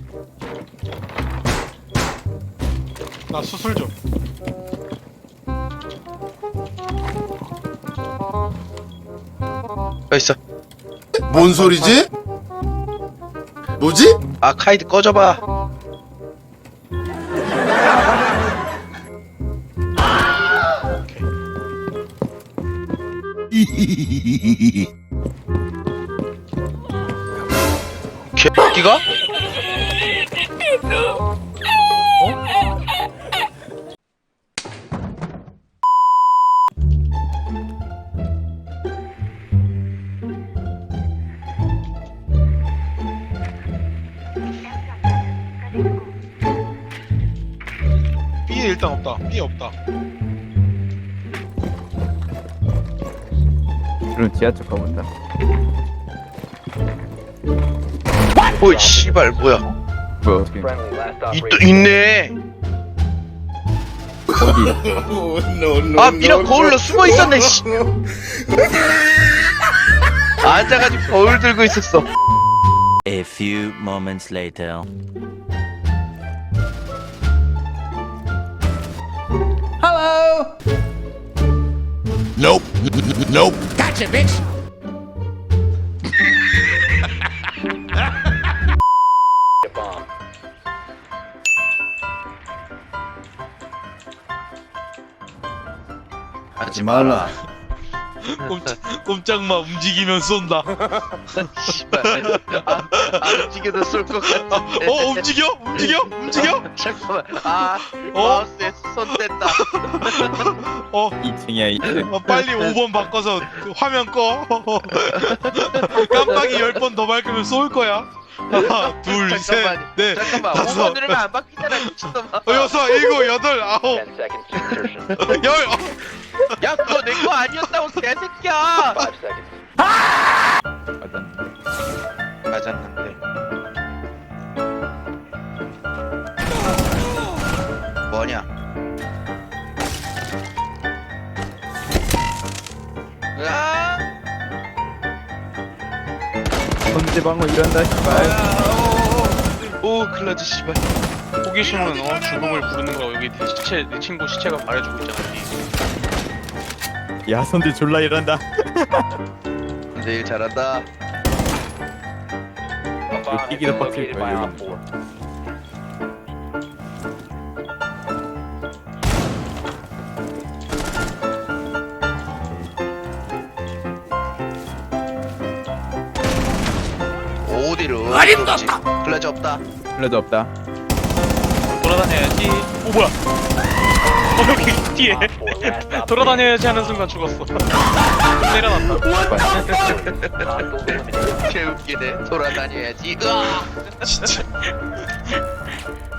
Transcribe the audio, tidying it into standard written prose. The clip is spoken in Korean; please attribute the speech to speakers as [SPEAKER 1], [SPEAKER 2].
[SPEAKER 1] 나 수술 좀.
[SPEAKER 2] 있어.
[SPEAKER 3] 뭔 소리지? 뭐지?
[SPEAKER 2] 아 카이드 꺼져봐. 개새끼가?
[SPEAKER 1] B에 일단 없다. B에 없다.
[SPEAKER 4] 그럼 지하철 가본다.
[SPEAKER 2] 오이 씨발 뭐야?
[SPEAKER 4] 뭐야 어떻게?
[SPEAKER 2] 또 있네.
[SPEAKER 4] 어디?
[SPEAKER 2] 아 미라 거울로 숨어 있었네. 씨. 앉아가지고 거울 들고 있었어.
[SPEAKER 5] A few moments later.
[SPEAKER 3] Nope. Nope.
[SPEAKER 2] 하지 마라.
[SPEAKER 1] 꼼짝마 움직이면 쏜다.
[SPEAKER 2] 씨발. 안 움직여도 쏠 것 같은데.
[SPEAKER 1] 움직여? 움직여? 움직여?
[SPEAKER 2] 잠깐만. 마우스에 손 댔다.
[SPEAKER 4] 2층이야 2층.
[SPEAKER 1] 빨리 5번 바꿔서 화면 꺼. 깜빡이 10번 더 밝으면 쏠 거야. 하나, 둘, 셋, 넷,
[SPEAKER 2] 잠깐만.
[SPEAKER 1] 다섯,
[SPEAKER 2] 5번 누르면 안 바뀌잖아 미친놈아.
[SPEAKER 1] 여섯, 일곱, 여덟, 아홉, 열.
[SPEAKER 2] 야 그거 내 거 아니었다고 개새끼야. 맞았는데. 뭐냐? 으아!
[SPEAKER 4] 선제방어 일한다 씨발.
[SPEAKER 2] 오 클라즈 씨발.
[SPEAKER 1] 호기심은 죽음을 부르는 거. 여기 내 친구 시체가 말해주고 있잖아.
[SPEAKER 4] 야 선제 졸라 일한다.
[SPEAKER 2] 근데 일 잘한다.
[SPEAKER 4] 뛰기도 빡칠 거야 여기.
[SPEAKER 2] 어디로? 어림도 없다. 클라즈 없다.
[SPEAKER 4] 플레드 없다.
[SPEAKER 1] 돌아다녀야지. 오 뭐야? 여기 뒤에 돌아다녀야지 하는 순간 죽었어. 내려놨다.
[SPEAKER 2] 개웃기네. 돌아다녀야지. 으아!
[SPEAKER 1] 진짜.